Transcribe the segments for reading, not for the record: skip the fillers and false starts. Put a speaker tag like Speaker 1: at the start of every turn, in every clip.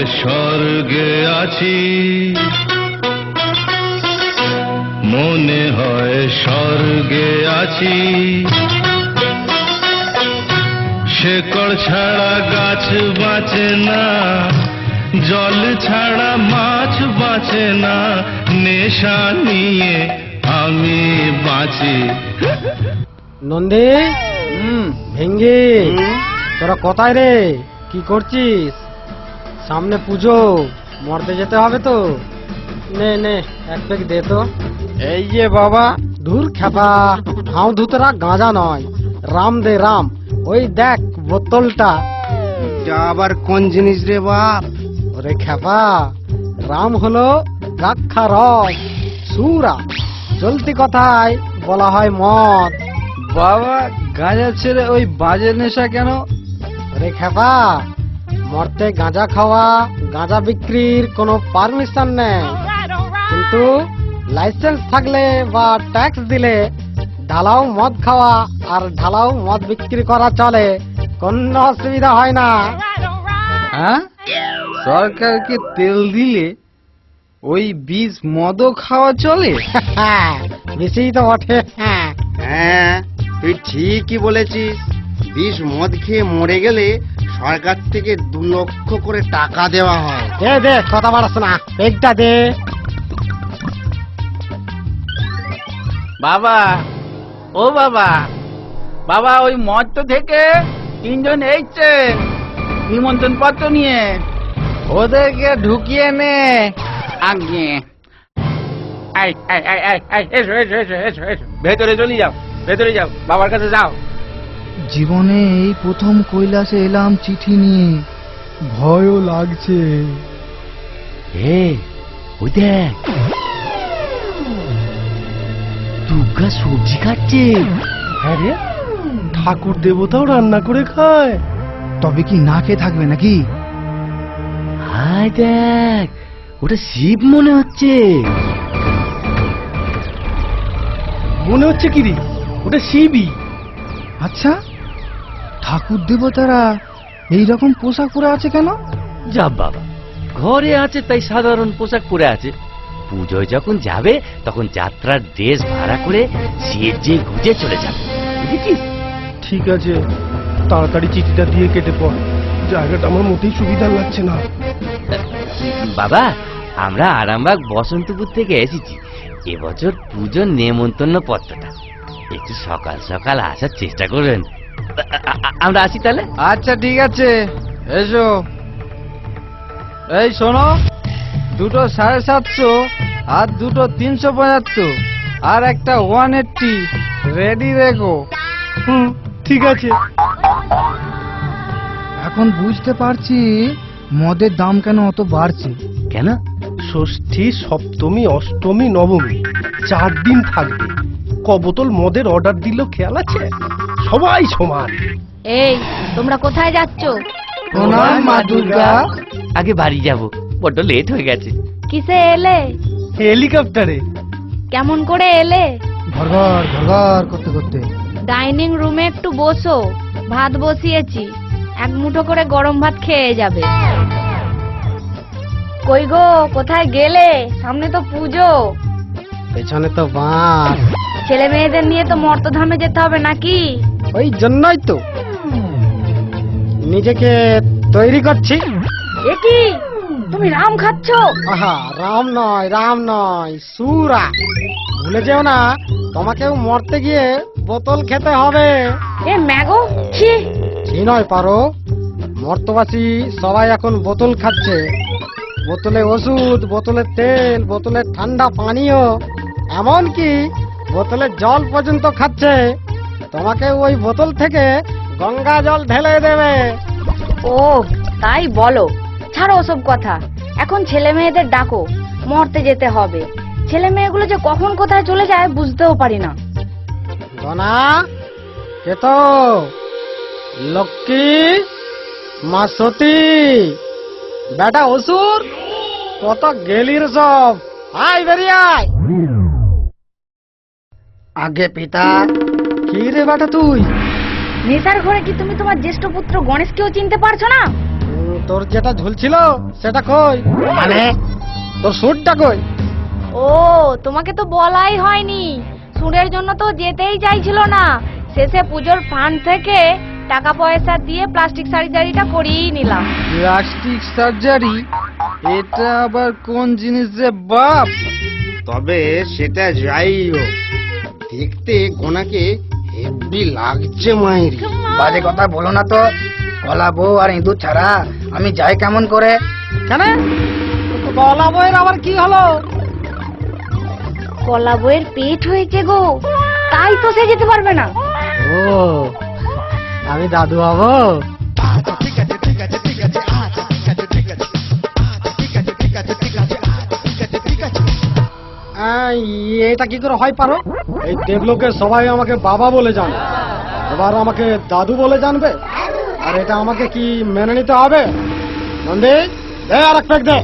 Speaker 1: স্বর্গে আছি, মনে হয় স্বর্গে আছি। শেকড় ছাড়া গাছ বাঁচে না, জল ছাড়া মাছ বাঁচে না, নেশা নিয়ে আমি বাঁচি।
Speaker 2: নন্দী, ভেঙ্গি, তোরা কোথায় রে? কি করছিস? সামনে পুজো, মরতে যেতে হবে তো। নে নে, এক প্যাক দে তো। এই যে বাবা। দূর খেপা, হাও ধুতরা গাঁজা নয়, রাম দে রাম। ওই দেখ বোতলটা।
Speaker 3: আবার কোন জিনিস রে বাপ?
Speaker 2: ওরে খেপা, রাম হলো গাক্ষা রস, সুরা। চলতি কথায় বলা হয় মদ।
Speaker 3: বাবা, গাঁজা ছেড়ে ওই বাজে নেশা কেন?
Speaker 2: ওরে খেপা, মরতে গাঁজা খাওয়া, গাঁজা বিক্রির কোনো পারমিশন নেই, কিন্তু লাইসেন্স থাকলে বা ট্যাক্স দিলে ঢালাও মদ খাওয়া আর ঢালাও মদ বিক্রি করা চলে, কোনো অসুবিধা হয় না।
Speaker 3: হ্যাঁ, সরকারকে তেল দিলে ওই বীজ মদও খাওয়া চলে?
Speaker 2: বেশি তো বটে।
Speaker 4: হ্যাঁ, তুই ঠিকই বলেছিস। বিষ মদ খেয়ে মরে গেলে সরকার থেকে 2 লক্ষ করে টাকা দেওয়া হয়।
Speaker 2: দে দে, কথা বাড়াস না, পেগটা দে।
Speaker 5: বাবা, ও বাবা, বাবা ওই মর্ত থেকে 3 জন এসছে নিমন্ত্রণ পত্র নিয়ে।
Speaker 3: ওদেরকে ঢুকিয়ে নে।
Speaker 5: আগে এসো এসো এসো এসো এসো, ভেতরে চলে যাও, ভেতরে যাও, বাবার কাছে যাও।
Speaker 3: জীবনে এই প্রথম কৈলাসে এলাম চিঠি নিয়ে, ভয়ও লাগছে।
Speaker 6: ওই দেখ, দুর্গা সবজি খাচ্ছে।
Speaker 2: হ্যাঁ রে, ঠাকুর দেবতাও রান্না করে খায়।
Speaker 3: তবে কি না খেয়ে থাকবে নাকি?
Speaker 6: হায় দেখ, ওটা শিব মনে হচ্ছে।
Speaker 2: মনে হচ্ছে কি রে? ওটা শিবই।
Speaker 3: আচ্ছা, ঠাকুর দেবতারা এইরকম পোশাক পরে আছে কেন?
Speaker 6: যা বাবা, ঘরে আছে তাই সাধারণ পোশাক পরে আছে। পুজোয় যখন যাবে তখন যাত্রার ড্রেস ভাড়া করে সেজে গুজে চলে যাবে, বুঝেছিস?
Speaker 2: ঠিক আছে, তাড়াতাড়ি চিঠিটা দিয়ে কেটে পড়। জায়গাটা আমার মোটেই সুবিধা লাগছে না।
Speaker 6: বাবা, আমরা আরামবাগ বসন্তপুর থেকে এসেছি। এবছর পুজোর নেমন্তন্ন পত্রটা একটু সকাল সকাল আসার চেষ্টা করবেন। আমরা আসি তাহলে।
Speaker 3: আচ্ছা ঠিক আছে, এসো। এই শোনো, 2টো 750 আর 2টো 375 আর একটা 180 রেডি রেখো।
Speaker 2: ঠিক আছে।
Speaker 3: এখন বুঝতে পারছি মদের দাম কেন অত বাড়ছে।
Speaker 6: কেন?
Speaker 2: ষষ্ঠী, সপ্তমী, অষ্টমী, নবমী 4 দিন থাকবে। ক বোতল মদের অর্ডার দিল খেয়াল আছে? সবাই সমান।
Speaker 7: এই, তোমরা কোথায় যাচ্ছ?
Speaker 3: প্রণাম মা দুর্গা।
Speaker 6: আগে বাড়ি যাব, বড্ড লেট হয়ে গেছে।
Speaker 7: কিসে এলে?
Speaker 2: হেলিকপ্টারে।
Speaker 7: কেমন করে এলে?
Speaker 3: ঘরঘর ঘরঘর করতে করতে।
Speaker 7: ডাইনিং রুমে একটু বসো, ভাত বসিয়েছি, 1 মুঠো করে গরম ভাত খেয়ে যাবে। কই গো, কোথায় গেলে? সামনে তো পুজো।
Speaker 2: পেছনে তো বাস।
Speaker 7: ছেলে মেয়েদের নিয়ে তো মর্তধামে যেতে হবে নাকি?
Speaker 2: ওই জন্যই তো নিজেকে তৈরি করছি।
Speaker 7: এ কি, তুমি রাম খাচ্ছ?
Speaker 2: আহা, রাম নয়, রাম নয়, সুরা। ভুলে যেও না, তোমাকেও মরতে গিয়ে বোতল খেতে হবে।
Speaker 7: এ ম্যাগো, ছি।
Speaker 2: কি নয় পারো, মর্তবাসী সবাই এখন বোতল খাচ্ছে। বোতলে ওষুধ, বোতলে তেল, বোতলে ঠান্ডা পানীয়, এমনকি বোতলে জল পর্যন্ত খাচ্ছে। তোমাকে ওই বোতল থেকে গঙ্গা জল ঢেলে দেবে।
Speaker 7: ও তাই বলো, ছাড়ো ওসব কথা। এখন ছেলে মেয়েদের ডাকো, মরতে যেতে হবে। ছেলে মেয়েগুলো যে কখন কোথায় চলে যায় বুঝতেও পারি না।
Speaker 2: গনা, কে তো? লক্ষ্মী, মা সতী, বেটা অসুর, কত গেলির সব। আয় বেরিয়ে আয়। আগে পিতা। কি রে বেটা তুই?
Speaker 7: নেশার ঘরে কি তুমি তোমার জ্যেষ্ঠ পুত্র গণেশকেও চিনতে পারছো না?
Speaker 2: তোর যেটা ঝুলছিল সেটা কই?
Speaker 3: মানে
Speaker 2: তোর সুটটা কই?
Speaker 7: ও, তোমাকে তো বলাই হয়নি। সুরের জন্য তো যেতেই চাইছিল না, শেষে পুজোর ফান্ড থেকে টাকা পয়সা দিয়ে প্লাস্টিক সার্জারিটা করিয়েই নিলাম।
Speaker 3: Plastic surgery? এটা আবার কোন জিনিস রে বাপ?
Speaker 4: তবে সেটা যাই হোক, দেখতে গোনাকে হেভি লাগছে মাইরি।
Speaker 3: বাজে কথা বলো না তো। কলা বউ আর ইঁদুর ছাড়া আমি যাই কেমন করে?
Speaker 2: কেন? গলা বইয়ের আবার কি হলো?
Speaker 7: কলা বইয়ের পেট হয়েছে গো, তাই তো সে যেতে পারবে না।
Speaker 2: ও, আমি দাদু হবো? এটা কি করে হয় পারো? এই দেবলোকে সবাই আমাকে বাবা বলে জানে, এবার আমাকে দাদু বলে জানবে, আর এটা আমাকে কি মেনে নিতে হবে? নন্দী, দে আর এক প্যাক দে।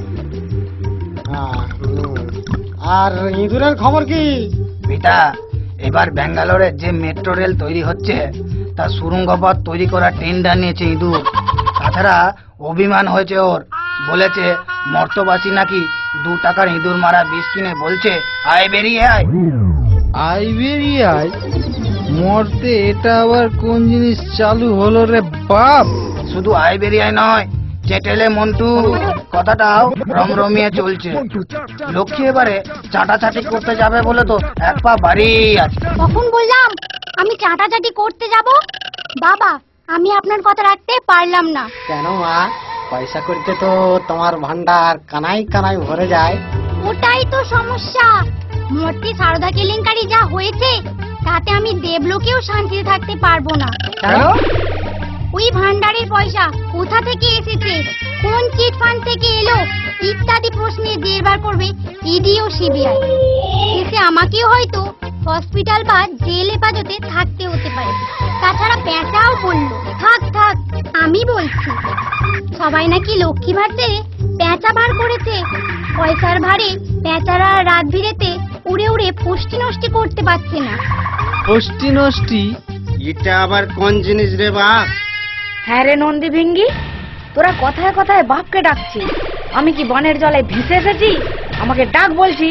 Speaker 2: আর ইঁদুরের খবর কি?
Speaker 3: বেটা, এবার ব্যাঙ্গালোরে যে মেট্রো রেল তৈরি হচ্ছে তা সুরঙ্গ পথ তৈরি করার টেন্ডার নিয়েছে ইঁদুর। তাছাড়া অভিমান হয়েছে ওর, বলেছে মর্তবাসী নাকি 2 টাকার ইঁদুর মারা বিষ কিনে বলছে আয় বেরিয়ে আয়। আয় বেরিয়ে আয় মরতে এটা আবার কোন জিনিস চালু হলো রে বাপ? শুধু আয় বেরিয়ে আয় নয়, চেটেলে মন্টু কথাটাও রমরমিয়ে চলছে। লক্ষ্মী এবারে চাটাচাটি করতে যাবে বলে তো এক পা বাড়ি আছে।
Speaker 8: কখন বললাম আমি চাটাচাটি করতে যাব? বাবা, আমি আপনার কথা রাখতে পারলাম না।
Speaker 2: কেন মা? পয়সা করতে তো তোমার ভান্ডার কানাই কানাই ভরে যায়।
Speaker 8: ওটাই তো সমস্যা। মূর্তি সারদা কেলেঙ্কারি যা হয়েছে তাতে আমি দেবলোকেও শান্তিতে থাকতে পারবো না।
Speaker 2: কেন?
Speaker 8: ওই ভান্ডারের পয়সা কোথা থেকে এসেছে, কোন চিট ফান্ড থেকে এলো ইত্যাদি প্রশ্নের জেরবার করবে ইডি ও সিবিআই। এসে আমাকেও হয়তো হসপিটাল বা জেল হেফাজতে থাকতে হতে পারে। তাছাড়া পেঁচাও বললো থাক থাক, আমি বলছি সবাই নাকি লক্ষ্মী ভার ছেড়ে পেঁচা ভার করেছে। পয়সার ভারে পেঁচারা রাত ভিড়েতে উড়ে উড়ে পুষ্টি নষ্টি করতে পারছে না।
Speaker 3: পুষ্টি নষ্টি?
Speaker 4: এটা আবার কোন জিনিস রে বাপ?
Speaker 7: হ্যাঁ রে নন্দী ভিঙ্গি, তোরা কথায় কথায় বাপকে ডাকছিস। আমি কি বনের জলে ভেসে এসেছি আমাকে ডাক বলছি?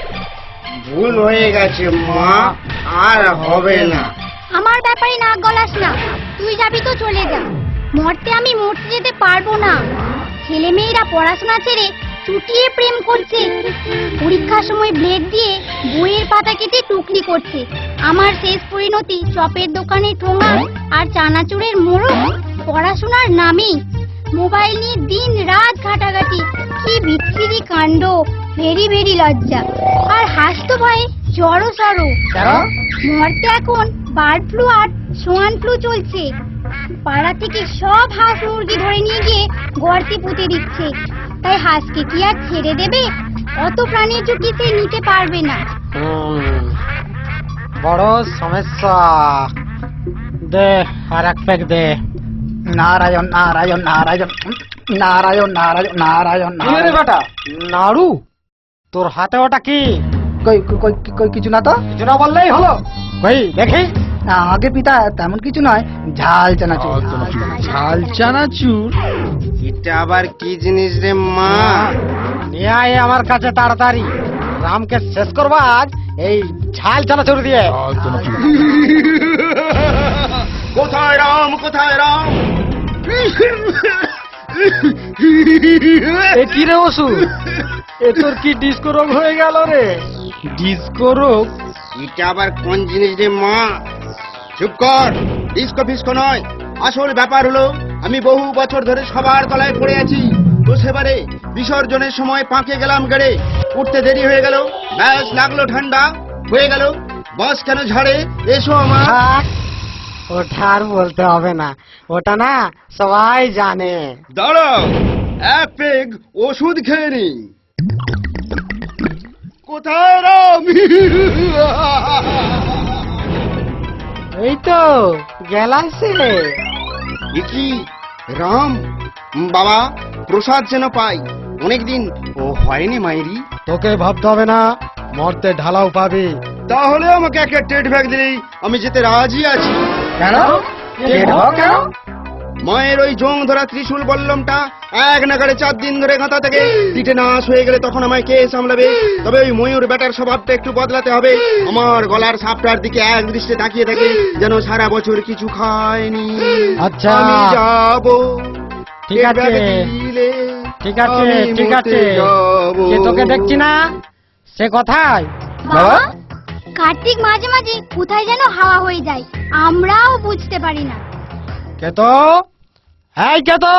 Speaker 4: ভুল হয়ে গেছে মা, আর হবে না।
Speaker 8: আমার ব্যাপারে নাক গলাস না, তুই যাবি তো চলে যা। মরতে আমি মরতে যেতে পারবো না। ছেলে মেয়েরা পড়াশোনা ছেড়ে চুটিয়ে প্রেম করছে, পরীক্ষার সময় ব্লেড দিয়ে বইয়ের পাতা কেটে টুকলি করছে। আমার শেষ পরিণতি চপের দোকানে ঠোঙা আর চানাচুরের মোড়ক। পড়াশোনার নামে মোবাইল নিয়ে দিন রাত ঘাটাঘাটি, কি বিচ্ছিরি কাণ্ড। ভেরি ভেরি লজ্জা। আর হাসতো ভয়ে জড়ো সড়ো। মরতে এখন বার্ড ফ্লু আর সোয়ান ফ্লু চলছে। পাড়া থেকে সব হাঁস মুরগি ধরে নিয়ে গিয়ে গর্তে পুঁতে দিচ্ছে। তাই হাঁসকে কি আর ছেড়ে দেবে? অত প্রাণীর ঝুঁকি সে নিতে পারবে না।
Speaker 2: বড় সমস্যা। দে আর এক প্যাক দে।
Speaker 3: নারায়ণ নারায়ণ নারায়ণ নারায়ণ নারায়ণ নারায়ণ
Speaker 2: কি রে বেটা, নাড়ু? তোর হাতে ওটা কি?
Speaker 3: কই কই কই কিছু না তো।
Speaker 2: কিছু না বললেই হলো। কই দেখি।
Speaker 3: আগে পিতা তেমন কিছু নয়, ঝাল চানাচুর। ঝাল চানাচুর?
Speaker 4: এটা আবার কি জিনিস রে মা?
Speaker 2: নিয়ে আয় আমার কাছে তাড়াতাড়ি। রামকে শেষ করবা আজ এই ঝাল চানাচুর দিয়ে।
Speaker 4: কোথায় রাম, কোথায় রাম?
Speaker 2: এ কি রে ওষুধ? এ তোর কি ডিস্কো রোগ হয়ে গেল রে?
Speaker 3: ডিস্কো রোগ?
Speaker 4: এটা আবার কোন জিনিস রে মা? চুপ কর, ডিস্কো ফিস্কো নয়। আসল ব্যাপার হলো আমি বহু বছর ধরে সবার তলায় পড়ে আছি। তো সেবারে বিসর্জনের সময় পাঁকে গেলাম গেড়ে, উঠতে দেরি হয়ে গেল, ব্যাস লাগলো ঠান্ডা হয়ে গেল। বস কেন ঝাড়ে? এসো আমার।
Speaker 2: থাক, ওটা আর বলতে হবে না, ওটা না সবাই জানে।
Speaker 4: দাঁড়াও, এক পেগ ওষুধ খেয়ে নি। কোথায় রাম?
Speaker 2: এই তো গেলাইছে।
Speaker 4: এ কি রাম? বাবা, প্রসাদ যেন পাই, অনেকদিন ও হয়নি মাইরি।
Speaker 2: তোকে ভাবতে হবে না, মরতে ঢালাও পাবি।
Speaker 4: তাহলে আমাকে একটা টেট ব্যাগ দিলেই আমি যেতে রাজি আছি।
Speaker 3: কেন? কেন?
Speaker 4: মায়ের ওই জং ধরা ত্রিশূল বল্লমটা এক নাগাড়ে 4 দিন ধরে গাঁথা থেকে পিঠে নাশ হয়ে গেলে তখন আমায় কে সামলাবে? তবে ওই ময়ূর বেটার স্বভাবটা একটু বদলাতে হবে। আমার গলার সাপটার দিকে এক দৃষ্টে তাকিয়ে থাকে, যেন সারা বছর কিছু খায়নি।
Speaker 2: আচ্ছা।
Speaker 4: আমি যাবো,
Speaker 2: ঠিক আছে, ঠিক আছে, ঠিক আছে। কে তোকে দেখছি না, সে কোথায়?
Speaker 8: বাবা, কার্তিক মাঝে মাঝে কোথায় যেন হাওয়া হয়ে যায়, আমরাও বুঝতে পারি না।
Speaker 2: কে তো? এই কে তো?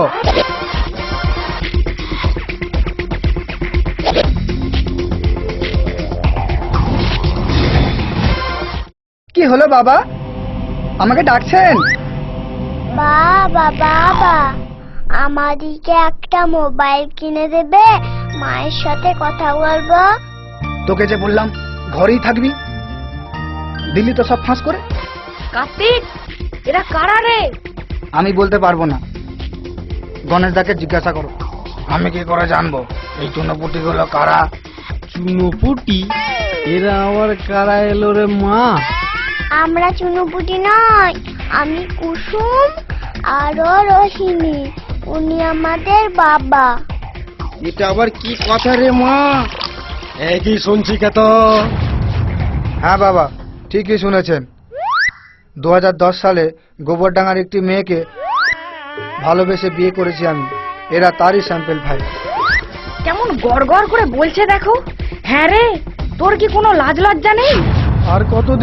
Speaker 3: কি হলো বাবা, আমাকে ডাকছেন?
Speaker 8: বাবা বাবা, আমাদিকে একটা মোবাইল কিনে দেবে, মায়ের সাথে কথা বলবো।
Speaker 3: তোকে যে বললাম ঘরেই থাকবি, দিল্লি তো সব ফাঁস করে।
Speaker 7: কার্তিক, এরা কারা রে?
Speaker 3: আমি বলতে পারবো না, গণেশ দাকে জিজ্ঞাসা করো। আমি কি করে জানবো এই চুনোপুটি গুলো কারা?
Speaker 2: চুনোপুটি? এরা আবার কারা এলো রে মা?
Speaker 8: আমরা চুনুপুটি নয়, আমি কুসুম আরো রোহিণী, উনি আমাদের বাবা।
Speaker 4: এটা আবার কি কথা রে মা?
Speaker 2: এই কি শুনছি কে তো?
Speaker 3: হ্যাঁ বাবা, ঠিকই শুনেছেন। 2010 সালে গোবরডাঙ্গার একটি মেয়েকে ভালোবেসে বিয়ে করেছি আমি। এরা তারই স্যাম্পেল ভাই।
Speaker 7: কেমন গড়গড় করে বলছে দেখো। হ্যাঁ রে, তোর কি কোনো লাজ লজ্জা নেই?
Speaker 9: আর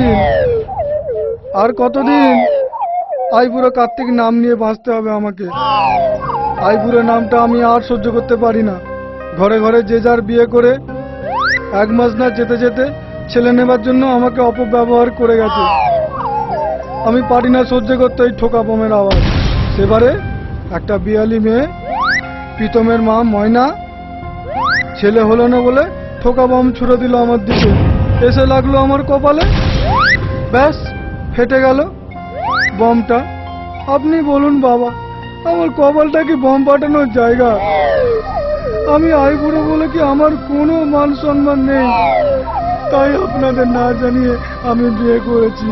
Speaker 9: কতদিন আইবুড়ো কার্তিক নাম নিয়ে বাঁচতে হবে আমাকে। আইবুড়ো নামটা আমি আর সহ্য করতে পারি না। ঘরে ঘরে যে যার বিয়ে করে 1 মাস না যেতে যেতে ছেলে নেবার জন্য আমাকে অপব্যবহার করে গেছে। আমি পারি না সহ্য করতে এই ঠোকা বোমের আওয়াজ। সেবারে একটা বিয়ালি মেয়ে, প্রীতমের মা ময়না, ছেলে হলো না বলে ঠোকা বম ছুড়ে দিল আমার দিকে, এসে লাগলো আমার কপালে, ব্যাস ফেটে গেল বমটা। আপনি বলুন বাবা, আমার কপালটা কি বম ফাটানোর জায়গা? আমি আইবুড়ো বলে কি আমার কোনো মান সম্মান নেই? তাই আপনাদের না জানিয়ে আমি বিয়ে করেছি।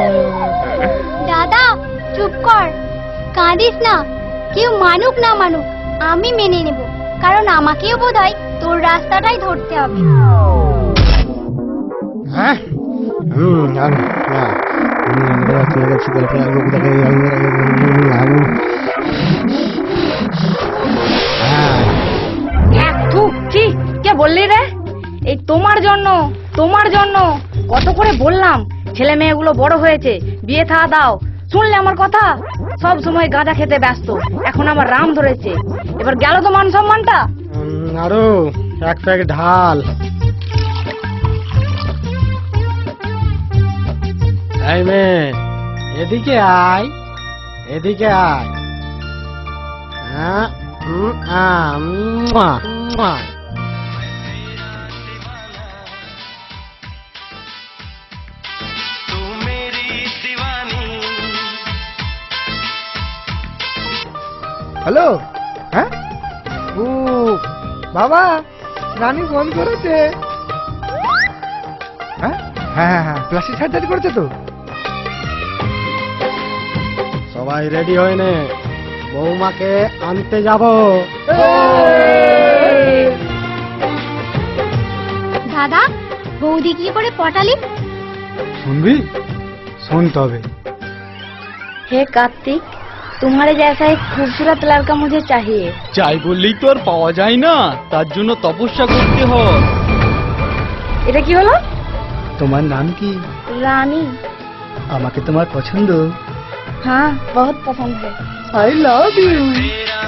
Speaker 8: দাদা চুপ কর, কাঁদিস না। কেউ মানুক না মানুক, আমি মেনে নেব, কারণ আমাকেও বোধহয় তোর রাস্তাটাই ধরতে হবে।
Speaker 2: হ্যাঁ,
Speaker 7: কে বললি রে? এই তোমার জন্য কত করে বললাম, ছেলে মেয়েগুলো বড় হয়েছে, বিয়ে থা দাও। শুনলে আমার কথা? সব সময় গাঁজা খেতে ব্যস্ত, এখন আমার রাম ধরেছে, এবার গেল তো মান সম্মানটা।
Speaker 2: আরো 1 প্যাক ঢাল। এই মেয়ে, এদিকে আয়, এদিকে আয়। হ্যাঁ,
Speaker 3: হ্যালো, হ্যাঁ ও বাবা, রানী ফোন করেছে। হ্যাঁ হ্যাঁ হ্যাঁ হ্যাঁ, প্লাস্টিক সার্জারি করেছে তো।
Speaker 2: সবাই রেডি হয়ে নে, বৌমাকে আনতে যাব।
Speaker 8: দাদা, বৌদি কি করে পটালি?
Speaker 9: শুনবি? শুনতে হবে।
Speaker 7: हे कार्तिक, तुम्हारे जैसा एक खूबसूरत लड़का मुझे चाहिए।
Speaker 10: চাই বললেই তো আর পাওয়া যায় না, তার জন্য তপস্যা করতে হয়।
Speaker 7: এটা কি হলো?
Speaker 3: তোমার নাম কি?
Speaker 7: रानी।
Speaker 3: আমাকে তোমার পছন্দ?
Speaker 7: हाँ, बहुत पसंद है।
Speaker 3: I love you.